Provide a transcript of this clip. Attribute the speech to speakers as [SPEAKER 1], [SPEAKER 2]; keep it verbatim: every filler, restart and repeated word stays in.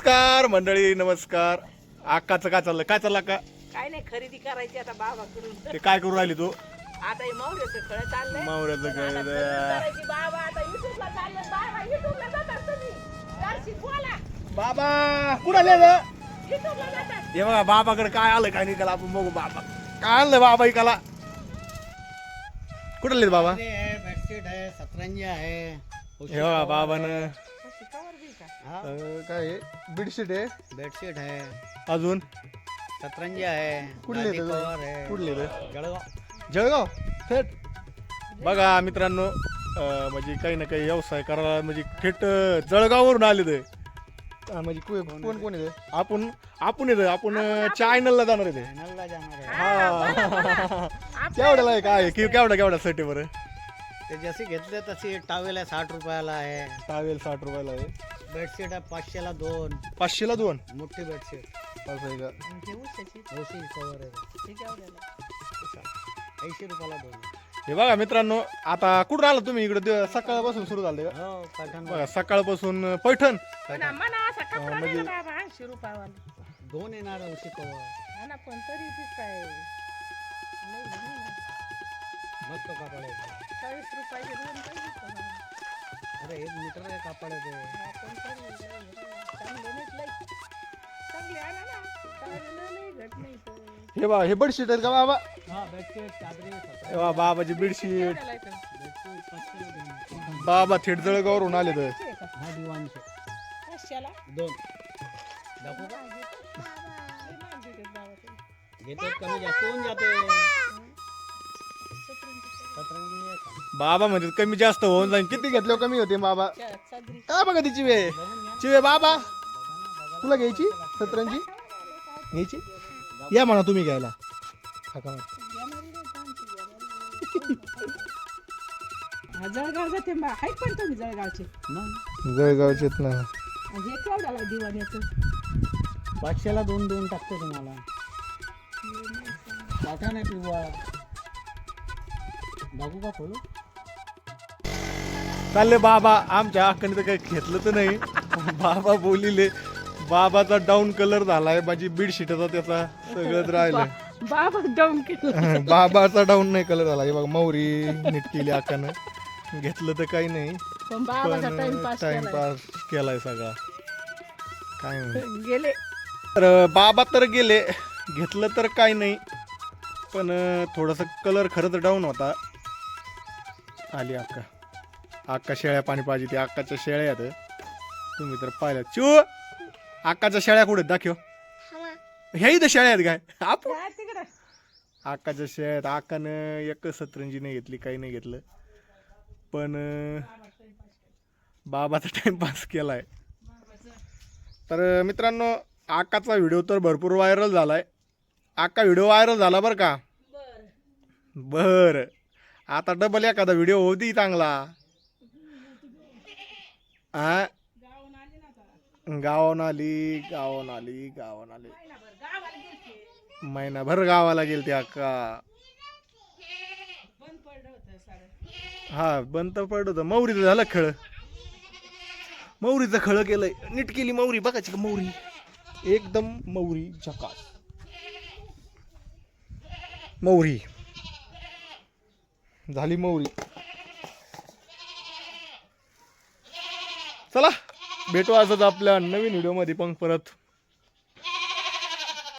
[SPEAKER 1] नमस्कार मंडळी, नमस्कार. आकाचं काय चाललं? काय चाललं का?
[SPEAKER 2] काय नाही, खरेदी करायची आता बाबाकडून.
[SPEAKER 1] ते काय करू राहिली तू?
[SPEAKER 2] आता हे मावऱ्याचं खळं चाललंय.
[SPEAKER 1] मावऱ्याचं
[SPEAKER 2] आता
[SPEAKER 1] खळं.
[SPEAKER 2] खरेदी करायची. बाबा आता युट्यूबला चालले. बाबा युट्यूबला जातात तुम्ही. जर्सी बोला.
[SPEAKER 1] बाबा कुठं आले रे?
[SPEAKER 2] युट्यूबला जातात.
[SPEAKER 1] हे बघा बाबाकडे काय आलं काय नाही, त्याला आपण बघू. बाबा काय आणलं बाबा इकाला? कुठं आले बाबा?
[SPEAKER 3] है, बेडशीट है, सतरंजी आहे.
[SPEAKER 1] हे बघा बाबानं
[SPEAKER 2] अशी कवर बी का?
[SPEAKER 3] हा,
[SPEAKER 1] अं, काय आहे? बेडशीट आहे.
[SPEAKER 3] बेडशीट है,
[SPEAKER 1] अजून
[SPEAKER 3] सतरंजी आहे,
[SPEAKER 1] कुठले
[SPEAKER 3] गादी
[SPEAKER 1] ते?
[SPEAKER 3] कवर आहे.
[SPEAKER 1] कुठले रे?
[SPEAKER 3] जळगाव.
[SPEAKER 1] जळगाव थेट. बघा मित्रांनो, अं, म्हणजे काही ना काही व्यवसाय करायला म्हणजे थेट अं, जळगाववरून आले ते. अं, म्हणजे को- कोण कोण येते? आपण आपण येतो आपण चायनलला जाणार आहे ते.
[SPEAKER 3] चॅनलला जाणार आहे.
[SPEAKER 1] हा केवढ्याला आहे काय कि केवढा केवढा साठी बरं?
[SPEAKER 3] ते जशी घेतले तशी टावेल आहे साठ रुपयाला आहे.
[SPEAKER 1] टावेल साठ रुपयाला आहे.
[SPEAKER 3] बेडशीट आहे पाचशेला दोन.
[SPEAKER 1] पाचशेला दोन.
[SPEAKER 3] मोठी बेडशीट.
[SPEAKER 1] असं आहे का?
[SPEAKER 2] हे उशाची.
[SPEAKER 3] ओशी कवर आहे.
[SPEAKER 2] हे केवढ्याला?
[SPEAKER 3] ऐंशी रुपयाला दोन.
[SPEAKER 1] हे बघा मित्रांनो, आता कुठून आला तुम्ही इकडे? दिव- सकाळपासून सुरू झालं का?
[SPEAKER 3] हो, पठाण
[SPEAKER 1] बघा सकाळपासून पैठण.
[SPEAKER 2] म्हणा म्हणा असा कपडा नाही
[SPEAKER 1] म्हणजे-
[SPEAKER 2] ना बाबा, ऐंशी रुपयावाला.
[SPEAKER 3] दोन येणार ओशी कवर.
[SPEAKER 2] हा ना, पण तरी बी काय लई नाही ना.
[SPEAKER 3] मस्त कापड आहे.
[SPEAKER 2] चाळीस रुपयाचे दोन पाहिजे का बाबा?
[SPEAKER 3] अरे एक मीटर आहे कापड आहे ते.
[SPEAKER 2] हा, पण तरी लई आहे. चांगले नाहीत लई. चांगले आणा ना. चांगले लई घट नाही तर.
[SPEAKER 1] हे बा हे बेडशीट आहेत का बाबा?
[SPEAKER 3] हा, बेडशीट चादरी सतरंजी.
[SPEAKER 1] हे बा बाबाची बेडशीट.
[SPEAKER 2] केवढ्याला आहे तर?
[SPEAKER 3] बेडशीट पाचशेला दोन.
[SPEAKER 1] बाबा थेट जळगावरून आले तर.
[SPEAKER 2] पाचशे का?
[SPEAKER 3] हा दिवाणशे
[SPEAKER 2] पाचशेला?
[SPEAKER 3] दोन. दाखवू का?
[SPEAKER 2] लई महाग देतात बाबा ते.
[SPEAKER 3] घेतो कमी जास्त होऊन जाते.
[SPEAKER 2] सतरंजी
[SPEAKER 3] सतरंजी आहे का?
[SPEAKER 1] बाबा म्हणजे कमी जास्त होऊन जाईल. किती घेतले कमी होते बाबा?
[SPEAKER 2] चा- चादरी.
[SPEAKER 1] काय बघा ती चिवे चिवे बाबा तुला घ्यायची सतरंजी घ्यायची? या म्हणा तुम्ही घ्यायला. हाका मार.
[SPEAKER 2] हा, जळगाव जाते बा. आहेत पण तुम्ही जळगावचे.
[SPEAKER 3] मग
[SPEAKER 1] जळगावचेत ना.
[SPEAKER 2] आणि हे केवढ्याला दिवाण येतं?
[SPEAKER 3] पाचशेला दोन देऊन टाकतो तुम्हाला. टाका नाही पिवा. बघू का खोलू?
[SPEAKER 1] चालले बाबा. आमच्या अक्काने तर काही घेतलं तर नाही. बाबा बोलिले. बाबाचा डाऊन कलर झालाय. माझी बेडशीटचा त्याचा सगळंच राहिलं.
[SPEAKER 2] बाबा डाऊन केलं.
[SPEAKER 1] बाबाचा डाऊन नाही कलर झाला. हे बघा मौरी नीट केली अक्कानं. घेतलं तर काही नाही,
[SPEAKER 2] पण बाबाचा
[SPEAKER 1] पण
[SPEAKER 2] टाइमपास केलाय.
[SPEAKER 1] टाइमपास केलाय सगळा. काय म्हणू.
[SPEAKER 2] गेले.
[SPEAKER 1] तर बाबा तर गेले. घेतलं तर काही नाही, पण थोडंसं कलर खरंच डाऊन होता. आली अक्का. अक्का शेळ्या पाणी पाहिजे. ते अक्काच्या शेळ्या आहेत. तुम्ही तर पाहिल्या. चू अक्काच्या शेळ्या कुठे दाखव. ह्या इथं शेळ्या आहेत काय? आप
[SPEAKER 2] काय तिकडं?
[SPEAKER 1] अक्काच्या शेळ्या आहेत. अक्कानं एक सतरंजी नाही घेतली, काही नाही घेतलं, पण बाबाचा टाइमपास केलाय. तर मित्रांनो, अक्काचा व्हिडिओ तर भरपूर व्हायरल झालाय. अक्का व्हिडिओ व्हायरल झाला बरं का? बर. आता डबल एखादा व्हिडिओ होती चांगला. हा, गावान आली गावान आली गावान आली महिनाभर गावाला गेलती अक्का. हा, बंद तर पडत होतं. मौरीचं झालं खळ. मौरीचं खळ केलंय. नीट केली मौरी. बघायची का मौरी? एकदम मौरी झकास. मौरी झाली मौरी. चला भेटू असंच आपल्या नवीन व्हिडिओ मध्ये पण परत.